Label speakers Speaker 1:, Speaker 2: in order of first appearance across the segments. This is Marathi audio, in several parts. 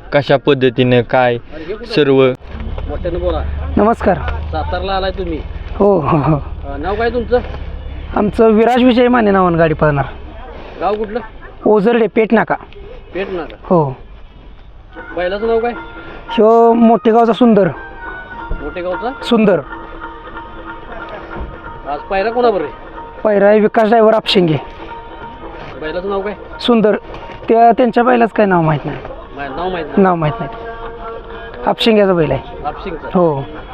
Speaker 1: कशा पद्धतीनं काय सर्व.
Speaker 2: मोठ्यानं बोला.
Speaker 3: नमस्कार.
Speaker 2: सातारला आलाय तुम्ही?
Speaker 3: हो हो हो.
Speaker 2: नाव काय तुमचं?
Speaker 3: आमचं विराज विजय माने नावानं गाडी पळणार.
Speaker 2: गाव कुठलं?
Speaker 3: ओझरडे पेट नाका.
Speaker 2: पेट नाका.
Speaker 3: हो.
Speaker 2: बैलाचं नाव काय?
Speaker 3: ह्यो मोठेगावचा सुंदर.
Speaker 2: मोठेगावचा
Speaker 3: सुंदर.
Speaker 2: आज पायरा कोणाबर आहे?
Speaker 3: पहिरा विकास ड्रायव्हर आपशिंगे.
Speaker 2: बैलाचं नाव काय?
Speaker 3: सुंदर. त्यांच्या बैलाचं काय नाव माहीत नाही.
Speaker 2: नाव माहित नाही.
Speaker 3: नाव माहीत नाही. आपशिंग्याचा बैल आहे.
Speaker 2: आपशिंगचा.
Speaker 3: हो.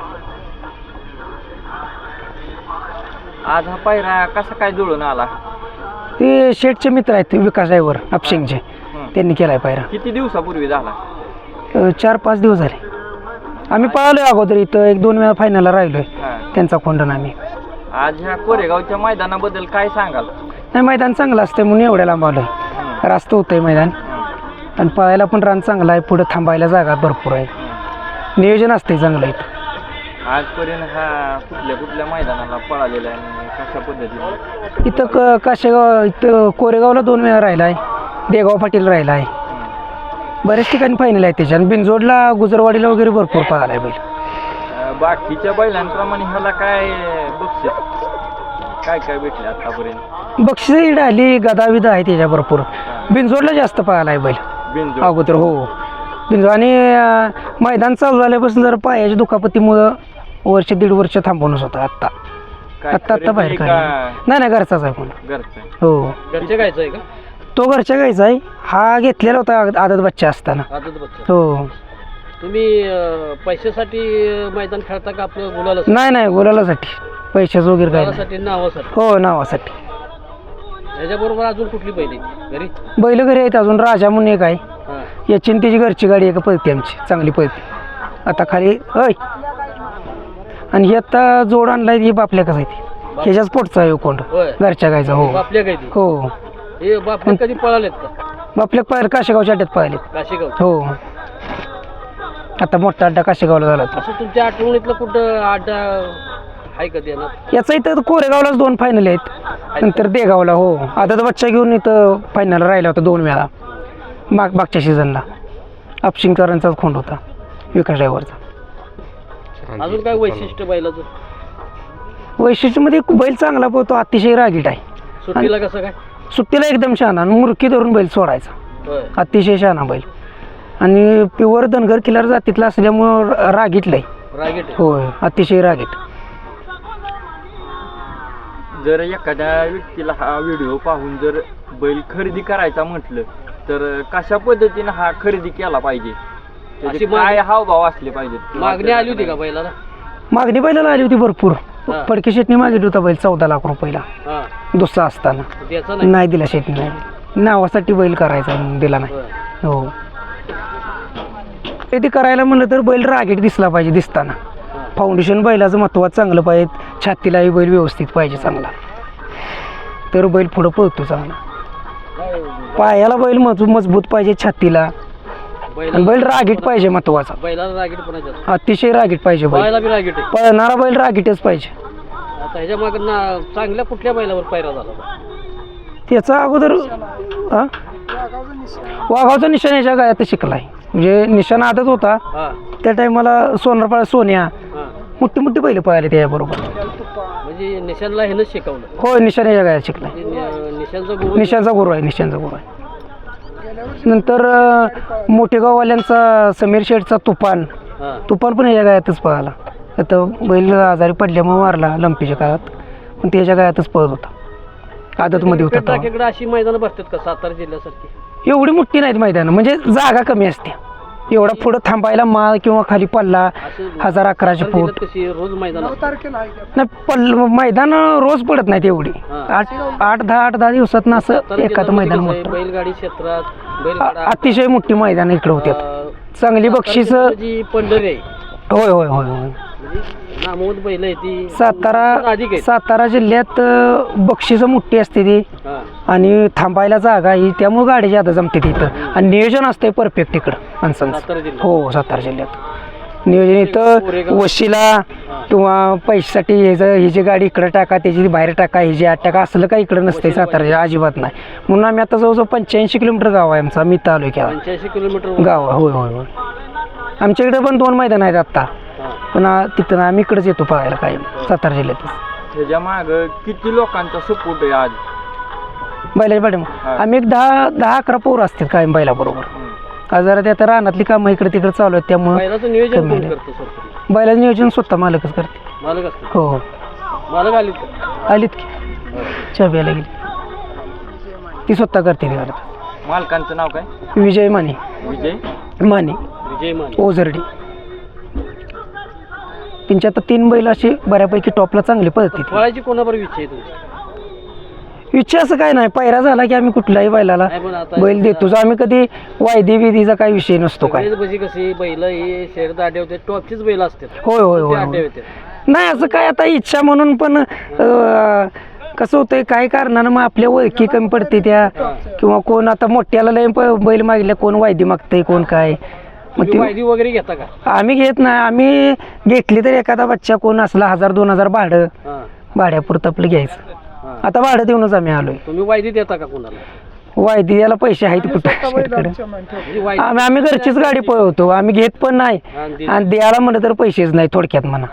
Speaker 1: आज हा पायरा कसा काय जुळून आला?
Speaker 3: ते शेठचे मित्र आहेत विकास ड्रायव्हर आपशिंगचे. त्यांनी केलाय पायरा.
Speaker 1: किती दिवसापूर्वी झाला?
Speaker 3: 4-5 दिवस झाले. आम्ही पळालोय अगोदर इथं 1-2 वेळा फायनलला राहिलोय त्यांचा खोंडन आम्ही.
Speaker 1: आज ह्या कोरेगावच्या मैदानाबद्दल काय सांगाल?
Speaker 3: नाही, मैदान चांगलं असतं म्हणून एवढ्या लांब आलोय. रास्त होतंय मैदान आणि पळायला पण रान चांगलं आहे. पुढे थांबायला जागा भरपूर आहे. नियोजन असते चांगलं इथं.
Speaker 1: आजपर्यंत हा कुठल्या मैदानाला पळालेला आहे आणि कशा पद्धतीने?
Speaker 3: इथं काशेगाव, इथं कोरेगावला 2 वेळा राहिला आहे. देगाव पाटील राहिला आहे. बऱ्याच ठिकाणी फायनल आहे त्याच्या. आणि बिनजोडला गुजरवाडीला वगैरे भरपूर पळाला आहे बैल.
Speaker 1: बाकीच्या बैलांप्रमाणे ह्याला काय बक्षीस काय भेटले आतापर्यंत?
Speaker 3: बक्षीस इकडे आली, गदा विदा आहे त्याच्या भरपूर. बिनजोडला जास्त पळाला आहे बैल
Speaker 1: बिनजोड
Speaker 3: अगोदर. हो, बिनजोड. आणि मैदान चालू झाल्यापासून जर पायाच्या दुखापतीमुळं 1-1.5 वर्ष थांबवणंच होतं. आत्ता बाहेर काढलं. नाही, घरचाच आहे. कोण
Speaker 1: घरचं?
Speaker 3: हो.
Speaker 2: घरच्या गायचं आहे का?
Speaker 3: तो घरच्या गायचा आहे. हा घेतलेला होता आदत बच्चा असताना.
Speaker 2: आदत बच्चा.
Speaker 3: हो.
Speaker 2: तुम्ही पैशासाठी मैदान खेळता का आपलं गुलालासाठी?
Speaker 3: नाही, गुलालासाठी. पैशाचं वगैरे काय नाही.
Speaker 2: गुलालासाठी, नावासाठी?
Speaker 3: हो, नावासाठी.
Speaker 2: ह्याच्याबरोबर अजून कुठली बैल आहे घरी?
Speaker 3: बैल घरी आहेत अजून. राजा म्हणून एक आहे.
Speaker 2: हां.
Speaker 3: याची आणि त्याची घरची गाडी आहे का पळते आमची, चांगली पळते. आता खाली आणि ही आता जोड आणलाय. ही बापल्या कसं आहे ती ह्याच्याच पोटचा आहे कोंड घरच्या गायचा. हो.
Speaker 2: बापल्या काय ती?
Speaker 3: हो.
Speaker 2: हे बापल्या कधी पळालेत का?
Speaker 3: बापल्या पाहिलं काशेगावच्या अड्ड्यात पाहिलेत.
Speaker 2: काशेगाव.
Speaker 3: हो. आता मोठा अड्डा काशेगावला झाला.
Speaker 2: असं तुमच्या आठवणीतलं कुठं अड्डा आहे का देणार?
Speaker 3: याचा इथं कोरेगावलाच 2 फायनल आहेत. नंतर देगावला. हो. आदत बच्चा घेऊन इथं फायनल राहिला होता 2 वेळा मागच्या सीझनला. आपशिंगकरांचाच खोंड होता विकास ड्रायव्हरचा.
Speaker 2: अजून काय वैशिष्ट्य बैलाचं?
Speaker 3: वैशिष्ट्यमध्ये बैल चांगला पळतो, अतिशय रागीट आहे.
Speaker 2: सुट्टीला कसं काय?
Speaker 3: सुट्टीला एकदम शहाणा. मुरकी धरून बैल सोडायचा.
Speaker 2: होय.
Speaker 3: अतिशय शहाणा बैल. आणि प्युअर धनगर किल्लार जातीतला असल्यामुळं रागीटला आहे.
Speaker 2: रागीट आहे.
Speaker 3: होय, अतिशय रागीट.
Speaker 1: जर एखाद्या व्यक्तीला हा व्हिडिओ पाहून जर बैल खरेदी करायचा म्हटलं तर कशा पद्धतीनं हा खरेदी केला पाहिजे?
Speaker 2: अशी
Speaker 1: काय हावभाव असले पाहिजेत?
Speaker 2: मागणी आली होती का बैलाला?
Speaker 3: मागणी बैलाला आली होती भरपूर.
Speaker 2: हा.
Speaker 3: फडके शेटने मागितली होता बैल 14 लाख रुपयाला
Speaker 2: हां.
Speaker 3: दुसरा असताना.
Speaker 2: त्याचा नाही?
Speaker 3: नाही दिला शेटने. नावासाठी बैल करायचा दिला नाही.
Speaker 2: होय.
Speaker 3: हो. ते करायला म्हणलं तर बैल रागीट दिसला पाहिजे दिसताना. फाउंडेशन बैलाचं महत्त्वाचं चांगलं पाहिजे. छातीलाही बैल व्यवस्थित पाहिजे चांगला, तर बैल पुढं पळतो चांगला. पायाला बैल मजबूत पाहिजे, छातीला. आणि बैल रागीट पाहिजे महत्त्वाचा.
Speaker 2: बैलाला रागीट पण आहे.
Speaker 3: अतिशय रागीट पाहिजे बैल.
Speaker 2: बैलाला बी रागीट आहे.
Speaker 3: पळणारा बैल रागीटच पाहिजे.
Speaker 2: आता ह्याच्या मागं चांगल्या कुठल्या बैलावर पायरा झाला?
Speaker 3: त्याचा अगोदर वाघावचा निशाण याच्या गायात शिकलाय. म्हणजे निशाण आदत होता
Speaker 2: हां.
Speaker 3: त्या टायमाला. सोनारपाळा सोन्या
Speaker 2: हां.
Speaker 3: मोठी बैल पळाले त्याच्याबरोबर.
Speaker 2: म्हणजे निशानला ह्यानंच शिकवलं?
Speaker 3: हो, निशाण याच्या गायात शिकलाय.
Speaker 2: निशानचा गुरु?
Speaker 3: निशांचा गुरु आहे. निशांचा गुरु आहे. नंतर मोठेगाववाल्यांचा समीर शेठचा तुफान.
Speaker 2: हां.
Speaker 3: तुफान पण याच्या गायातच पळाला. आता बैल आजारी पडल्यामुळे मारला लंपीच्या काळात, पण त्याच्या गायातच पळत होता. आदतमध्ये होता.
Speaker 2: टाकीकडे अशी मैदानं भरतात का सातारा जिल्ह्यासारखी?
Speaker 3: एवढी मोठी नाहीत मैदानं, म्हणजे जागा कमी असते. एवढा पुढं थांबायला माळ किंवा खाली पल्ला 1000-1100 फूट.
Speaker 2: कशी रोज मैदान?
Speaker 3: नाही, मैदान रोज पडत नाहीत एवढी. 8-10 दिवसात ना असं एखादं मैदान मोठं.
Speaker 2: बैलगाडी क्षेत्रात
Speaker 3: अतिशय मोठी मैदान इकडे होत्यात. चांगली बक्षीस.
Speaker 2: पंढरी आहे.
Speaker 3: होय होय होय होय.
Speaker 2: नामवंत बैल आहे ती.
Speaker 3: सातारा जिल्ह्यात बक्षीस मोठी असते ती. आणि थांबायला जागा ही, त्यामुळे गाडी ज्यादा जमते तिथं. आणि नियोजन असते परफेक्ट इकडं माणसांचं. हो, सातारा जिल्ह्यात नियोजन इथं वशीला किंवा पैशासाठी ही जी गाडी इकडं टाका त्याची बाहेर टाका ही जी आत टाका असलं काही इकडं नसते सातारा अजिबात नाही. म्हणून आम्ही आता जवळजवळ 85 किलोमीटर गाव आहे आमचा मी तालुक्याला
Speaker 2: 85 किलोमीटर
Speaker 3: गाव आहे. होय होय होय. आमच्या इकडे पण 2 मैदान आहेत आत्ता पण तिथं आम्ही इकडेच येतो पळायला काय सातारा जिल्ह्यातच.
Speaker 1: त्याच्या माग किती लोकांचा सपोर्ट आहे आज?
Speaker 3: बैलाच्या पाठीमागे आम्ही एक 10-11 पोरं असतात कायम बैलाबरोबर. आज जरा ते आता रानातली कामं इकडे तिकडे चालू आहेत त्यामुळे
Speaker 2: बैलाचं नियोजन कोण करतं सर?
Speaker 3: बैलाचं नियोजन स्वतः मालकच करते.
Speaker 2: मालक असतं?
Speaker 3: हो हो
Speaker 2: मालक आलीत का?
Speaker 3: आलीत की चाब्याला गेली ती स्वतः करते ती गाडी.
Speaker 1: मालकांचं नाव काय?
Speaker 3: विजय माने
Speaker 1: विजय
Speaker 3: माने
Speaker 2: विजय माने
Speaker 3: ओझरडी. त्यांच्या आता 3 बैल अशी बऱ्यापैकी टॉपला चांगली पळते.
Speaker 2: पळायची कोणाबरोबर इच्छा आहे तुमची?
Speaker 3: इच्छा असं काय नाही पायरा झाला की आम्ही कुठल्याही बैलाला
Speaker 2: नाही पण आता
Speaker 3: बैल देतोच. आम्ही कधी वायदी विधीचा काही विषय नसतो काय.
Speaker 2: सगळेच म्हणजे कशी बैल ही शर्यत आडे होते टॉपचीच बैल असतात.
Speaker 3: होय होय
Speaker 2: ते
Speaker 3: होय
Speaker 2: आडे
Speaker 3: होय.
Speaker 2: होते.
Speaker 3: नाही असं काय आता इच्छा म्हणून पण कसं होतंय काय कारणानं मग आपल्या ओळखी कमी पडते त्या किंवा कोण आता मोठ्याला लय बैल मागितल्या कोण वायदी मागतंय कोण काय मग
Speaker 2: तुम्ही
Speaker 3: ती
Speaker 2: वायदी वगैरे घेता का?
Speaker 3: आम्ही घेत नाही. आम्ही घेतली तर एखादा बच्चा कोण असला 1000-2000 भाडं
Speaker 2: हां
Speaker 3: भाड्यापुरतं आपलं घ्यायचं.
Speaker 2: हां.
Speaker 3: आता भाडं देऊनच आम्ही आलोय.
Speaker 2: तुम्ही वायदी देता का कोणाला?
Speaker 3: वायदी याला पैसे आहेत कुठं
Speaker 2: म्हणजे वायदी
Speaker 3: आम्ही घरचीच गाडी पळवतो. आम्ही घेत पण नाही
Speaker 2: आणि
Speaker 3: आणि द्यायला म्हणलं तर पैसेच नाही थोडक्यात म्हणा.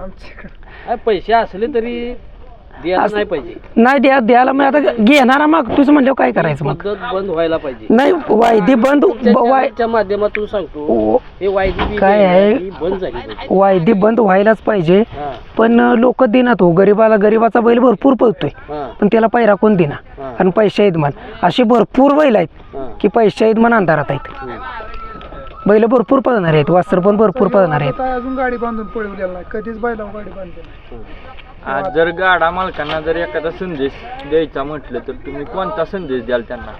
Speaker 2: पैसे असले तरी द्यायला नाही पाहिजे.
Speaker 3: नाही द्यायला मग आता घेणारा मागतोच म्हणल्यावर काय करायचं मग.
Speaker 2: पद्धत बंद व्हायला पाहिजे.
Speaker 3: नाही वायदी बंद
Speaker 2: तुमच्या माध्यमातून सांगतो हे वायदी
Speaker 3: काय आहे?
Speaker 2: बंद झाली पाहिजे.
Speaker 3: वायदी बंद व्हायलाच पाहिजे
Speaker 2: हां,
Speaker 3: पण लोक देणार हो गरीबाचा बैल भरपूर पळतोय
Speaker 2: हां,
Speaker 3: पण त्याला पैरा कोण देना
Speaker 2: हां,
Speaker 3: आणि पैसे आहेत म्हण अशी भरपूर बैल आहेत
Speaker 2: हां.
Speaker 3: की पैसे आहेत म्हण अंधारात आहेत.
Speaker 2: हम्म.
Speaker 3: बैल भरपूर पळणार आहेत वासर पण भरपूर पळणार आहेत.
Speaker 4: अजून गाडी बांधून पळवलेला नाही कधीच बैलावर गाडी बांधली नाही.
Speaker 1: आज जर गाडा मालकांना जर एखादा संदेश द्यायचा म्हटलं तर तुम्ही कोणता संदेश द्याल त्यांना?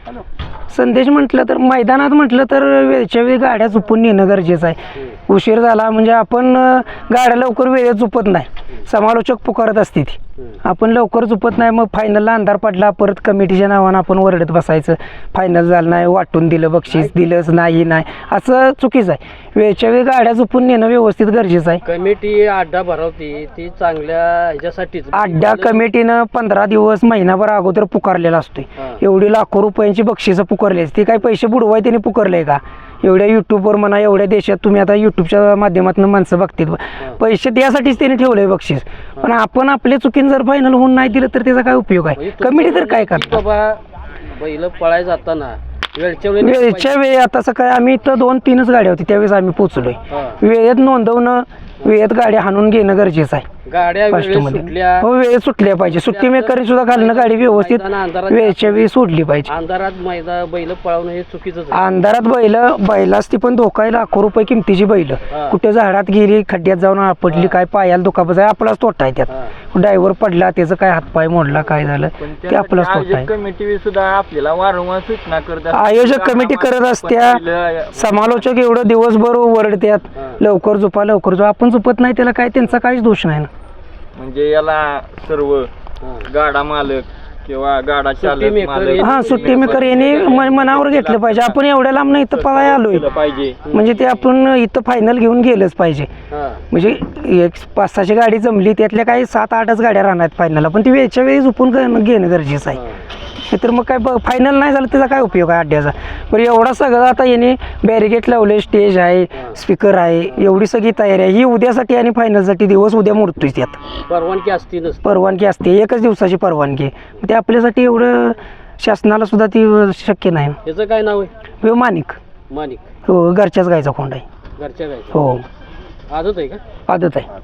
Speaker 3: संदेश म्हटलं तर मैदानात म्हटलं तर वेळच्या वेळी गाड्या चुपून नेणं गरजेचं आहे. उशीर झाला म्हणजे आपण गाड्या लवकर वेळेत चुपत नाही. समालोचक पुकारत असते ती आपण लवकर चुपत नाही. मग फायनलला अंधार पडला परत कमिटीच्या नावानं आपण ओरडत बसायचं फायनल झालं नाही वाटून दिलं बक्षीस दिलंच नाही असं चुकीचं आहे. वेळच्या वेळी गाड्या चुपून नेणं व्यवस्थित गरजेचं आहे.
Speaker 2: कमिटी अड्डा भरवते ती चांगल्या ह्याच्यासाठीच.
Speaker 3: अड्डा कमिटीनं 15 दिवस महिनाभर अगोदर पुकारलेला असतोय.
Speaker 2: हां.
Speaker 3: एवढी लाखो रुपयांची बक्षिसं पुकारली असते. काही पैसे बुडवाय त्यांनी पुकारले का? एवढ्या युट्यूबवर म्हणा एवढ्या देशात तुम्ही आता युट्यूबच्या माध्यमातून माणसं बघतील पैसे द्यासाठीच त्यांनी ठेवलंय बक्षीस. पण आपण आपल्या चुकीनं जर फायनल होऊन नाही दिलं तर त्याचा काय उपयोग आहे?
Speaker 2: म्हणजे
Speaker 3: कमिटी तर काय करतात?
Speaker 2: बाबा बैल पळायला जाताना वेळच्या
Speaker 3: वेळच्या वेळी आता सकाळी आम्ही इथं 2-3च गाड्या होती त्यावेळेस आम्ही पोचलोय.
Speaker 2: हां.
Speaker 3: वेळेत नोंदवणं वेळेत गाड्या हाणून घेणं गरजेचं आहे.
Speaker 2: गाड्या
Speaker 3: फर्स्ट
Speaker 2: वेळेत
Speaker 3: मध्ये
Speaker 2: सुटल्या
Speaker 3: हो वेळेत सुटल्या पाहिजे. सुट्टी मेकरने सुद्धा घालणं गाडी व्यवस्थित वेळच्या वेळी सोडली पाहिजे.
Speaker 2: अंधारात बैल पळवणं हे चुकीचंच आहे.
Speaker 3: अंधारात बैलाच ती पण धोका आहे. लाखो रुपये किमतीची बैल
Speaker 2: हां.
Speaker 3: कुठे झाडात गेली खड्ड्यात जाऊन आपटली काय पायाला दुखापत आहे आपलाच तोटा आहे त्यात.
Speaker 2: हां.
Speaker 3: ड्रायव्हर पडला त्याचं काय हातपाय मोडला काय झालं
Speaker 1: पण
Speaker 3: ते आपलाच तोटा
Speaker 1: आयोजक
Speaker 3: आहे.
Speaker 1: कमिटी सुद्धा आपल्याला वारंवार सूचना करतात.
Speaker 3: आयोजक कमिटी करत असत्या समालोचक एवढं दिवसभर ओरडतात
Speaker 2: हां.
Speaker 3: लवकर झोपा लवकर झोपा आपण झोपत नाही त्याला काय त्यांचा काहीच दोष नाही ना.
Speaker 1: म्हणजे याला सर्व गाडा मालक किंवा गाडा चालक
Speaker 2: maker
Speaker 1: मालक
Speaker 3: हा सुट्टी मेकर यांनी मनावर घेतलं पाहिजे. आपण एवढ्या लांब नाही इथं पळायला आलोय
Speaker 1: केलं पाहिजे.
Speaker 3: म्हणजे ते आपण इथं फायनल घेऊन गेलंच पाहिजे.
Speaker 2: हां.
Speaker 3: म्हणजे 500-600 गाडी जमली त्यातल्या काही 7-8च गाड्या राहणार फायनलला पण ती वेळच्या वेळी झोपून घेणं गरजेचं आहे. तर मग काय फायनल नाही झालं त्याचा काय उपयोग आहे अड्ड्याचा. बरं एवढा सगळं आता याने बॅरिगेट लावले स्टेज आहे स्पीकर आहे एवढी सगळी तयारी आहे ही उद्यासाठी आणि फायनलसाठी दिवस उद्या मोडतोय त्यात.
Speaker 2: परवानगी असती नसते.
Speaker 3: परवानगी असते एकच दिवसाची परवानगी ते आपल्यासाठी एवढं शासनाला सुद्धा ती शक्य नाही.
Speaker 2: त्याचं काय नाव आहे?
Speaker 3: हो माणिक
Speaker 2: माणिक.
Speaker 3: हो घरच्याच गायचा खोंड आहे.
Speaker 2: घरच्या गायचं
Speaker 3: हो
Speaker 2: आदत आहे का?
Speaker 3: आदत आहे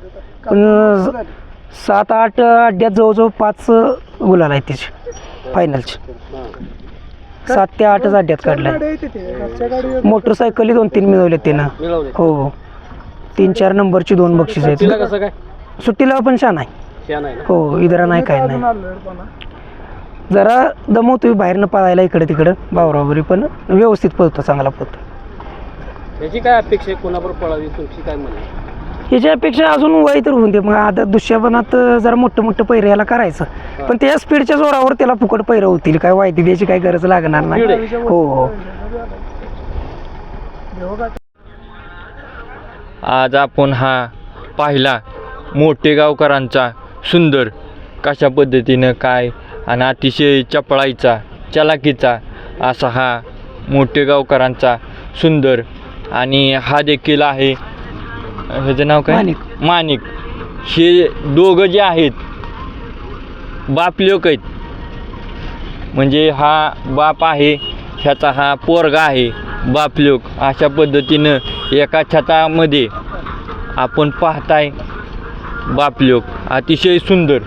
Speaker 3: पण 7-8 अड्ड्यात जवळजवळ 5 गुलाल आहेत तिचे फायनलचे.
Speaker 2: हां.
Speaker 3: 7 ते 8च अड्ड्यात काढलाय.
Speaker 4: गाडी येते ते घरच्या गाडी
Speaker 3: मोटरसायकली 2-3 मिळवले त्यानं.
Speaker 2: मिळवले.
Speaker 3: हो 3-4 नंबरची 2 बक्षीस
Speaker 2: तिला
Speaker 3: आहेत.
Speaker 2: कसं काय?
Speaker 3: सुट्टीला पण छान आहे.
Speaker 2: छान आहे ना?
Speaker 3: हो इधरा नाही काय नाही
Speaker 4: आलो
Speaker 3: जरा दमवतोय बाहेरनं पळायला इकडे तिकडं बावरावरी पण व्यवस्थित पळतो चांगला पळतो.
Speaker 2: याची काय अपेक्षा आहे कोणाबरोबर पळावी तुमची काय म्हणे?
Speaker 3: ह्याच्यापेक्षा अजून वय तर होऊन दे मग आता दुसऱ्यापणात जरा मोठं पैर याला करायचं पण त्या स्पीडच्या जोरावर त्याला फुकट पैर होतील काय वायदी द्यायची काही गरज लागणार नाही. हो हो
Speaker 1: आज आपण हा पाहिला मोठेगावकरांचा सुंदर कशा पद्धतीनं काय आणि अतिशय चपळाईचा चलाकीचा असा हा मोठेगावकरांचा सुंदर. आणि हा देखील आहे ह्याचं नाव काय माणिक. हे दोघं जे आहेत बापलेक आहेत, म्हणजे हा बाप आहे ह्याचा हा पोरगा आहे बापलेक. अशा पद्धतीनं एका छतामध्ये आपण पाहताय बापलेक अतिशय सुंदर.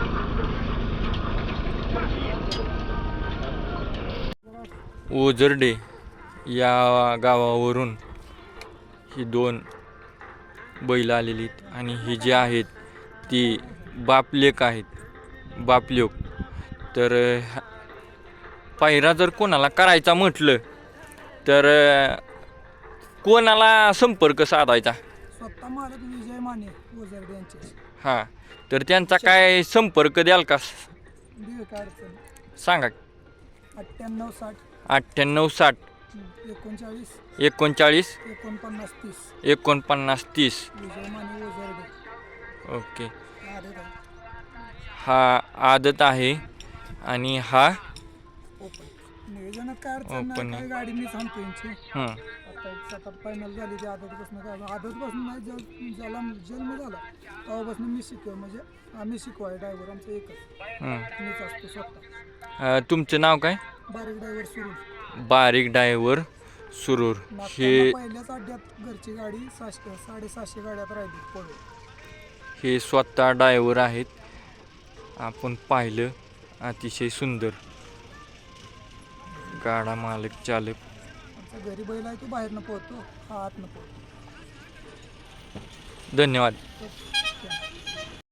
Speaker 1: ओझरडे या गावावरून ही 2 बैल आलेली आहेत आणि ही जी आहेत ती बापलेक आहेत बापलेक. तर पायरा जर कोणाला करायचा म्हटलं तर कोणाला संपर्क साधायचा?
Speaker 4: स्वतः मालक विजय माने ओझरडे यांचे.
Speaker 1: हां, तर त्यांचा काय संपर्क द्याल का?
Speaker 4: देव काय अडचण.
Speaker 1: सांगा.
Speaker 4: 98
Speaker 1: 98 60
Speaker 4: 39
Speaker 1: 39
Speaker 4: 49 30
Speaker 1: 49 30.
Speaker 4: विजय माने ओझरडे.
Speaker 1: ओके.
Speaker 4: आले काय
Speaker 1: हा आदत आहे आणि हा
Speaker 4: ओपन नियोजनात काय अडचण
Speaker 1: Open
Speaker 4: नाही.
Speaker 1: आहे.
Speaker 4: काय गाडी मी सांगतो यांची.
Speaker 1: हं.
Speaker 4: आता सतत फायनल झाली ती आदतपासून काय आदतपासून नाही ज्याला जन्म झाला तेव्हापासून मी शिकव म्हणजे आम्ही शिकवाय ड्रायव्हर आमचं एकच
Speaker 1: हं.
Speaker 4: मीच असतो स्वतः.
Speaker 1: तुमचं नाव काय?
Speaker 4: बारीक ड्रायव्हर सुरू.
Speaker 1: बारीक डायव्हर सुरूर. हे
Speaker 4: पहिल्याच अड्ड्यात घरची गाडी 750 गाड्यात राहिली पळून.
Speaker 1: हे स्वतः डायव्हर आहेत. आपण पाहिलं अतिशय सुंदर गाडा मालक चालक.
Speaker 4: आमचा घरी बैल आहे तो बाहेरनं पळतो, हा आतनं पळतो.
Speaker 1: धन्यवाद.